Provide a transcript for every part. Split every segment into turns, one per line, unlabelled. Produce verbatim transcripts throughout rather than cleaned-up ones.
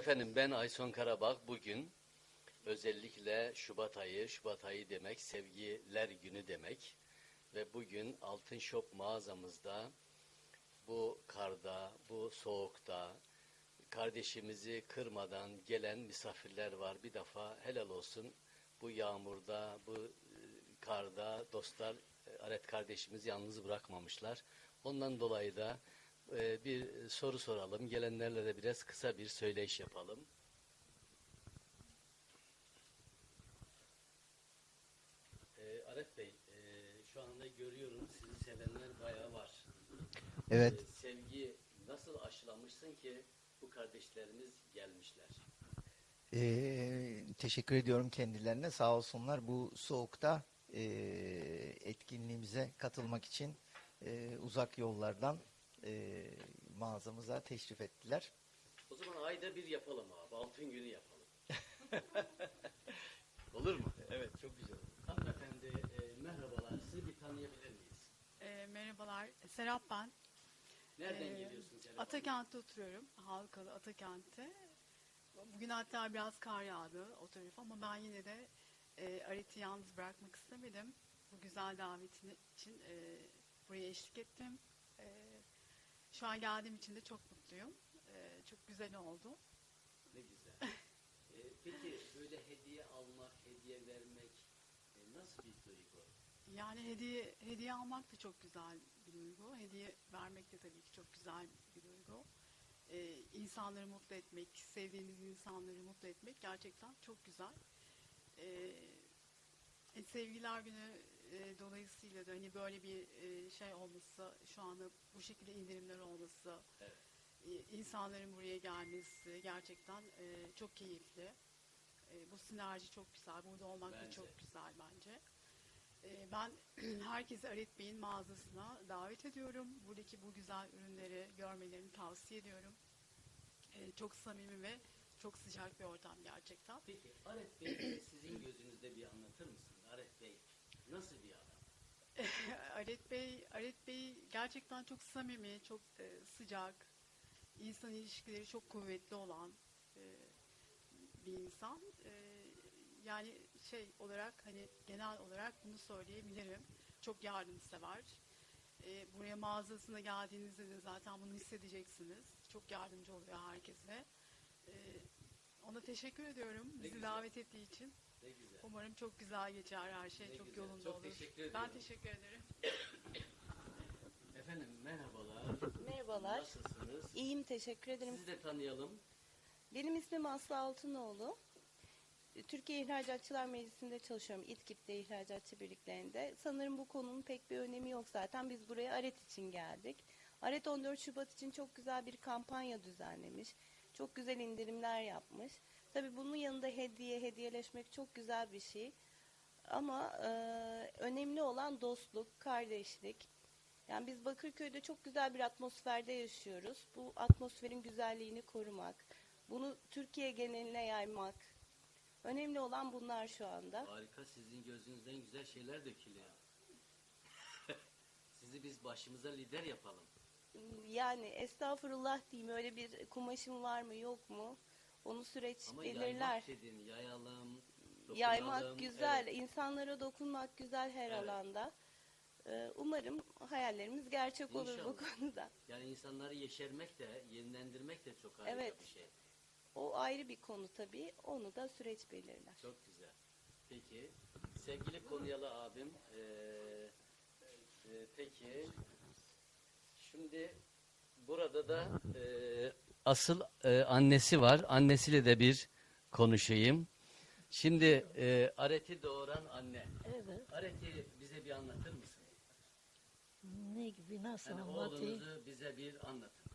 Efendim ben Ayson Karabak. Bugün özellikle Şubat ayı, Şubat ayı demek sevgiler günü demek. Ve bugün Altın Shop mağazamızda bu karda, bu soğukta kardeşimizi kırmadan gelen misafirler var. Bir defa helal olsun bu yağmurda, bu e, karda dostlar e, Aret kardeşimizi yalnız bırakmamışlar. Ondan dolayı da e, bir soru soralım. Gelenlerle de biraz kısa bir söyleyiş yapalım. E, Aret Bey, e, şu anda görüyorum sizi sevenler bayağı var.
Evet.
E, sevgi nasıl aşılamışsın ki bu kardeşlerimiz gelmişler?
Ee, teşekkür ediyorum kendilerine. Sağ olsunlar bu soğukta e, etkinliğimize katılmak için e, uzak yollardan e, mağazamıza teşrif ettiler.
O zaman ayda bir yapalım abi. Altın günü yapalım. Olur mu?
Evet, çok güzel.
Hanımefendi e, merhabalar. Sizi bir tanıyabilir miyiz?
E, merhabalar, Serap ben.
Nereden
E,
geliyorsunuz? Serap Hanım?
Atakent'te oturuyorum, Halkalı Atakent'te. Bugün hatta biraz kar yağdı o tarafa ama ben yine de e, Aret'i yalnız bırakmak istemedim. Bu güzel davetin için e, buraya eşlik ettim. E, şu an geldiğim için de çok mutluyum. E, çok güzel oldu.
Ne güzel. E, peki böyle hediye almak, hediye vermek e, nasıl bir duygu?
Yani hediye hediye almak da çok güzel bir duygu. Hediye vermek de tabii ki çok güzel bir duygu. Ee, insanları mutlu etmek, sevdiğiniz insanları mutlu etmek gerçekten çok güzel. Ee, e, Sevgiler Günü e, dolayısıyla da hani böyle bir e, şey olması, şu anda bu şekilde indirimler olması,
Evet.
e, insanların buraya gelmesi gerçekten e, çok keyifli. E, bu sinerji çok güzel, burada olmak da
Bence.
çok güzel bence. E, ben herkesi Aret Bey'in mağazasına davet ediyorum. Buradaki bu güzel ürünleri görmelerini tavsiye ediyorum. E, çok samimi ve çok sıcak bir ortam gerçekten.
Peki Aret Bey sizin gözünüzde bir anlatır mısınız? Aret Bey nasıl bir adam?
Aret Bey, Aret Bey gerçekten çok samimi, çok e, sıcak, insan ilişkileri çok kuvvetli olan e, bir insan. E, yani şey olarak hani genel olarak bunu söyleyebilirim. Çok yardımsever. E, buraya mağazasına geldiğinizde de zaten bunu hissedeceksiniz. Çok yardımcı oluyor herkese. E, ona teşekkür ediyorum
Ne
bizi
güzel.
davet ettiği için.
Ne güzel.
Umarım çok güzel geçer her şey,
Ne
çok
güzel.
yolunda
Çok
olur.
teşekkür ediyorum.
Ben teşekkür ederim.
Efendim merhabalar.
Merhabalar.
Nasılsınız?
İyiyim, teşekkür ederim.
Sizi de tanıyalım.
Benim ismim Aslı Altınoğlu. Türkiye İhracatçılar Meclisi'nde çalışıyorum. İTKİP'te İhracatçı Birliklerinde. Sanırım bu konunun pek bir önemi yok zaten. Biz buraya Aret için geldik. Aret on dört Şubat için çok güzel bir kampanya düzenlemiş. Çok güzel indirimler yapmış. Tabii bunun yanında hediye, hediyeleşmek çok güzel bir şey. Ama e, önemli olan dostluk, kardeşlik. Yani biz Bakırköy'de çok güzel bir atmosferde yaşıyoruz. Bu atmosferin güzelliğini korumak, bunu Türkiye geneline yaymak. Önemli olan bunlar şu anda.
Harika, sizin gözünüzden güzel şeyler dökülüyor. Sizi biz başımıza lider yapalım.
Yani estağfurullah diyeyim, öyle bir kumaşım var mı yok mu? Onu süreç
Ama
belirler.
yaymak dedin, yayalım, dokunalım.
Yaymak güzel,
Evet.
insanlara dokunmak güzel her
Evet.
alanda. Ee, Umarım hayallerimiz gerçek olur bu
İnşallah.
konuda.
Yani insanları yeşermek de, yenilendirmek de çok harika
Evet.
bir şey.
O ayrı bir konu tabii. Onu da süreç belirler.
Çok güzel. Peki, sevgili Konyalı abim, eee, e, peki, şimdi burada da eee, asıl eee, annesi var. Annesiyle de bir konuşayım. Şimdi eee Aret'i doğuran anne.
Evet.
Aret'i bize bir anlatır mısın?
Ne gibi, nasıl
Hani
anlatayım?
oğlunuzu bize bir anlatın.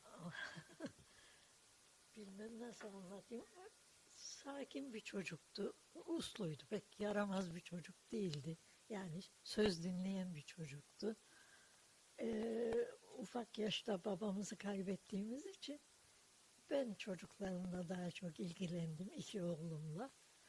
Bilmem nasıl anlatayım. Sakin bir çocuktu. Usluydu. Pek yaramaz bir çocuk değildi. Yani söz dinleyen bir çocuktu. Ee, ufak yaşta babamızı kaybettiğimiz için ben çocuklarımla daha çok ilgilendim. İki oğlumla.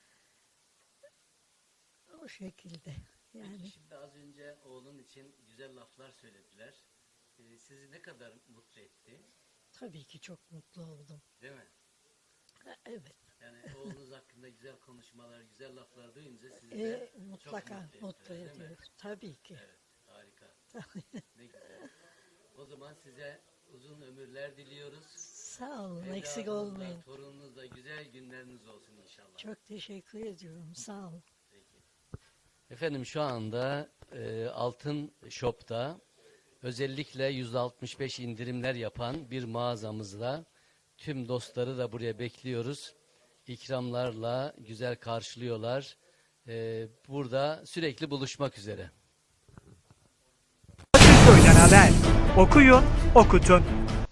O şekilde. Yani
Peki şimdi az önce oğlun için güzel laflar söylediler. Ee, sizi ne kadar mutlu etti?
tabii ki çok mutlu oldum.
Değil mi?
Evet.
Yani oğlunuz hakkında güzel konuşmalar, güzel laflar duyunca sizi
E,
de
mutlaka
çok
mutlu
mutlu ediyor, değil mi?
ediyor. Tabii ki.
Evet, harika. Ne güzel. O zaman size uzun ömürler diliyoruz.
Sağ olun, eksik
Evladınızla,
olmayın.
torununuzla güzel günleriniz olsun inşallah.
Çok teşekkür ediyorum. Sağ olun.
Peki. Efendim şu anda e, Altın Shop'ta özellikle yüzde altmış beş indirimler yapan bir mağazamızla tüm dostları da buraya bekliyoruz. İkramlarla güzel karşılıyorlar. E, burada sürekli buluşmak üzere.
Akılköy'den haber. Okuyun, okutun.